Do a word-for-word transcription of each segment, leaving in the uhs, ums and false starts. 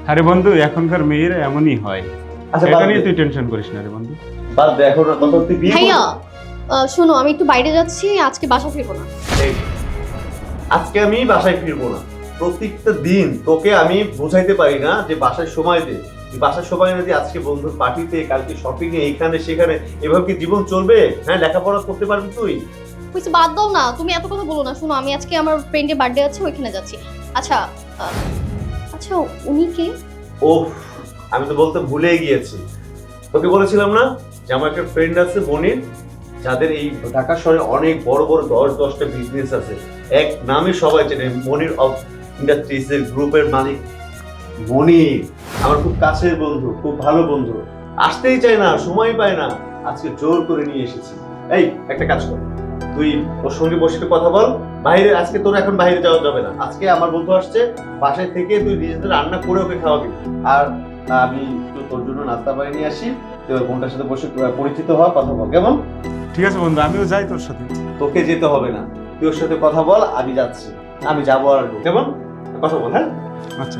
আরে বন্ধু এখনকার মেয়েরা এমনই হয়। আচ্ছা এটা নিয়ে তুই টেনশন করিস না রে বন্ধু। বাদ দে এখন তখন তুই বিয়ে ভাইয়া করবি। আহ, শোনো আমি একটু বাইরে যাচ্ছি, আজকে বাসা ফিরবো না। এই, আজকে আমি বাসায় ফিরবো না। প্রত্যেকটা দিন তোকে আমি বোঝাইতে পারি না যে বাসায় সময় দে। তুই বাসায় সময় না দিয়ে আজকে বন্ধুর পার্টিতে, কালকে শপিং এ, এইখানে সেখানে, এভাবে কি জীবন চলবে? হ্যাঁ, লেখাপড়া করতে পারবি তুই? বুঝছি, বাদ দাও না, তুমি এত কথা বলো না। শোনো আমি আজকে আমার ফ্রেন্ডের বার্থডে আছে, ওইখানে যাচ্ছি। আচ্ছা আহ, আচ্ছা উনি কে? ওহ, আমি তো বলতে ভুলে গিয়েছি। তোকে বলেছিলাম না যে আমার একটা ফ্রেন্ড আছে মনির, যাদের এই ঢাকা শহরে অনেক বড় বড় দশ দশটা বিজনেস আছে। এক নামে সবাই চেনে, মনির অফ ইন্ডাস্ট্রিজ এর গ্রুপের মালিক মনির। আমার খুব কাছের বন্ধু, খুব ভালো বন্ধু। আসতেই চায় না, সময় পায় না, আজকে জোর করে নিয়ে এসেছি। এই একটা কাজ কর, তুই ওর সঙ্গে বসে একটু কথা বল। বাইরে আজকে তোর এখন বাইরে যাওয়া যাবে না। আজকে আমার বন্ধু আসছে, বাসায় থেকে তুই নিজেদের রান্না করে ওকে খাওয়াবি। আর আমি তো তোর জন্য নাস্তা বানিয়ে নিয়ে আসি, তুই ওর বোনটার সাথে বসে পরিচিত হওয়া, কথা বল, কেমন? ঠিক আছে বন্ধু, আমিও যাই তোর সাথে। তোকে যেতে হবে না, তুই ওর সাথে কথা বল, আমি যাচ্ছি। আমি যাবো আর আসবো, কেমন? কথা বল, হ্যাঁ? আচ্ছা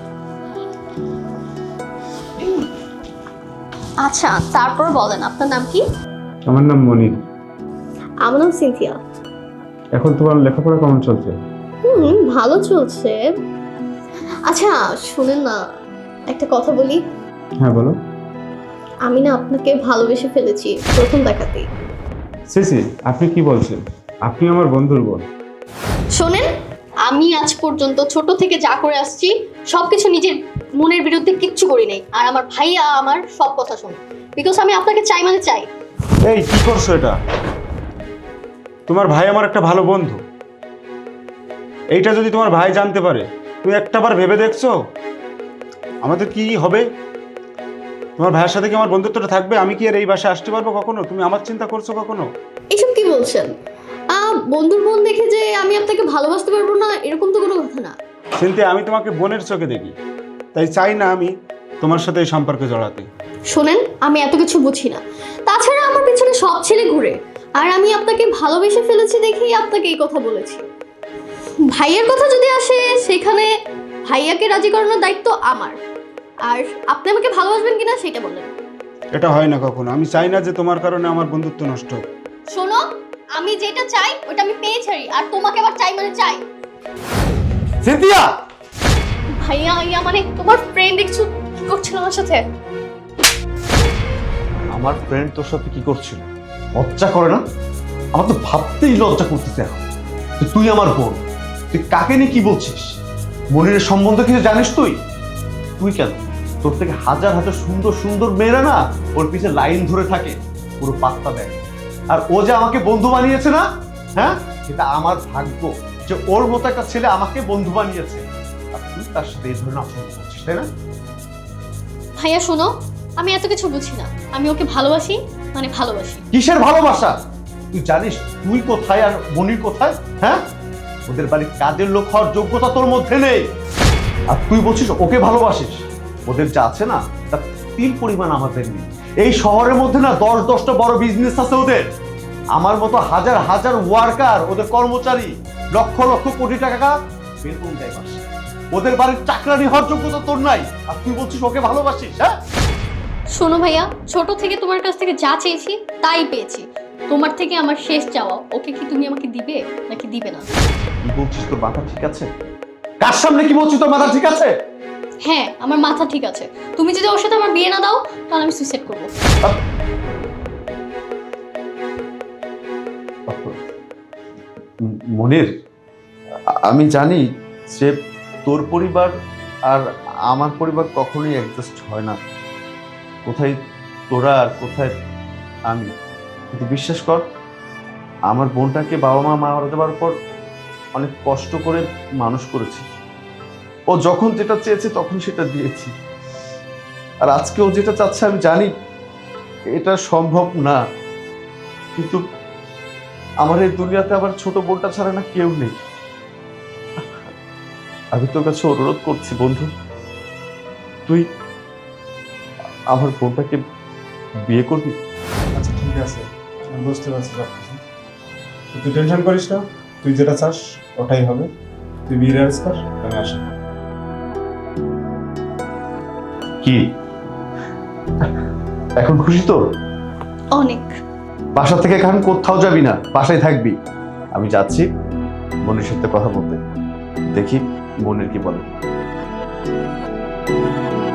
আচ্ছা তারপর বলেন আপনার নাম কি? আমার নাম মনির। আমার নাম সিনথিয়া। এখন তোমার লেখাপড়া কেমন চলছে? হুম ভালো চলছে। আচ্ছা শুনেন না, একটা কথা বলি। হ্যাঁ বলো। আমি না আপনাকে ভালোবেসে ফেলেছি প্রথম দেখাতেই। সিসি আপনি কি বলছেন? আপনি আমার বন্ধুর বোন। শোনেন, আমি আজ পর্যন্ত ছোট থেকে যা করে আসছি সবকিছু নিজের মনের বিরুদ্ধে কিচ্ছু করি নাই। আর আমার ভাইয়া আমার সব কথা শোনে, বিকজ আমি আপনাকে চাই মানে চাই। এই কি করছো এটা? তোমার ভাই আমার একটা ভালো বন্ধু, এইটা যদি তোমার ভাই জানতে পারে, তুমি একটাবার ভেবে দেখছো আমাদের কি হবে? তোমার ভাইয়ের সাথে কি আমার বন্ধুত্বটা থাকবে? আমি কি আর এই বাসায় আসতে পারবো কখনো? তুমি আমার চিন্তা করছো কখনো? এসব কি বলছেন? আহ বন্ধুর বোন দেখে যে আমি আপনাকে ভালোবাসতে পারবো না, এরকম তো কোনো কথা না। চিন্তা, আমি তোমাকে বোনের চোখে দেখি, তাই চাই না আমি তোমার সাথে এই সম্পর্কে জড়াতে। শোনেন, আমি এত কিছু বুঝি না। তাছাড়া আমার পিছনে সব ছেলে ঘুরে, আর আমি আপনাকে ভালোবেসে ফেলেছি দেখেই আপনাকে এই কথা বলেছি। ভাইয়ের কথা যদি আসে, সেখানে ভাইয়াকে রাজি করানোর দায়িত্ব আমার। আর আপনি আমাকে ভালোবাসবেন কিনা সেটা বলেন। এটা হয় না কখনো। আমি চাই না যে তোমার কারণে আমার বন্ধুত্ব নষ্ট হোক। শোনো, আমি যেটা চাই ওটা আমি পেয়ে ছাড়ি, আর তোমাকে আবার চাই মানে চাই। সিনথিয়া! ভাইয়া ইয়া মানে তোমার ফ্রেন্ড দেখছো কি করছিল আমার সাথে? আমার ফ্রেন্ড তোর সাথে কি করছিল? লজ্জা করে না? আমার তো ভাবতেই লজ্জা করতেছে এখন। যে তুই আমার বোন, তুই কাকে নিয়ে কি বলছিস? মনিরের সম্বন্ধে কিছু জানিস তুই? তুই কেন? তোর থেকে হাজার হাজার সুন্দর সুন্দর মেয়েরা না ওর পিছে লাইন ধরে থাকে, পুরো পাত্তা দেয়। আর ও যে আমাকে বন্ধু বানিয়েছে না, হ্যাঁ, এটা আমার ভাগ্য যে ওর মতো একটা ছেলে আমাকে বন্ধু বানিয়েছে। আর তুই তার সাথে এই ধরনের আচরণ করছিস, তাই না? ভাইয়া শোনো, আমি এত কিছু বুঝি না। আমি ওকে ভালোবাসি মানে ভালোবাসি। কিসের ভালোবাসা? তুই জানিস তুই কোথায় আর মনির কোথায়? হ্যাঁ, ওদের বাড়ির কাজের লোক হওয়ার যোগ্যতা তোর মধ্যে নেই, আর তুই বলছিস ওকে ভালোবাসিস। ওদের যা আছে না তার তিল পরিমাণ আমাদের নেই। এই শহরের মধ্যে না দশ দশটা বড় বিজনেস আছে ওদের। আমার মতো হাজার হাজার ওয়ার্কার, ওদের কর্মচারী, লক্ষ লক্ষ কোটি টাকা বেতন দেয় মাসে। ওদের বাড়ির চাকরানি হওয়ার যোগ্যতা তোর নাই, আর তুই বলছিস ওকে ভালোবাসিস? হ্যাঁ, শোনো ভাইয়া, ছোট থেকে তোমার কাছ থেকে যা চেয়েছি তাই পেয়েছি। তোমার থেকে আমার শেষ চাওয়া, ওকে কি তুমি আমাকে দিবে নাকি দিবে না? কি বলছিস? তোর মাথা ঠিক আছে? কার সামনে কি বলছিস? তোর মাথা ঠিক আছে? হ্যাঁ আমার মাথা ঠিক আছে। তুমি যদি ওর সাথে আমার বিয়ে না দাও তাহলে আমি সুইসাইড করবো। মনির, আমি জানি যে তোর পরিবার আর আমার পরিবার কখনোই অ্যাডজাস্ট হয় না। কোথায় তোরা আর কোথায় আমি। কিন্তু বিশ্বাস কর, আমার বোনটাকে বাবা মা মারা যাওয়ার পর অনেক কষ্ট করে মানুষ করেছি। ও যখন যেটা চেয়েছে তখন সেটা দিয়েছি। আর আজকে ও যেটা চাচ্ছে আমি জানি এটা সম্ভব না, কিন্তু আমার এই দুনিয়াতে আবার ছোট বোনটা ছাড়া না কেউ নেই। আমি তোর কাছে অনুরোধ করছি বন্ধু, তুই আমার বোনটাকে বিয়ে করবি? আচ্ছা ঠিক আছে, আমি বুঝতে পারছি সব কিছু। তুই টেনশন করিস না, তুই যেটা চাস ওটাই হবে। তুই বিয়ে রেজ কর, আমি আসি। কি এখন খুশি তো? অনেক। বাসা থেকে এখন কোথাও যাবি না, বাসায় থাকবি। আমি যাচ্ছি বোনের সাথে কথা বলতে, দেখি বোনের কি বলে।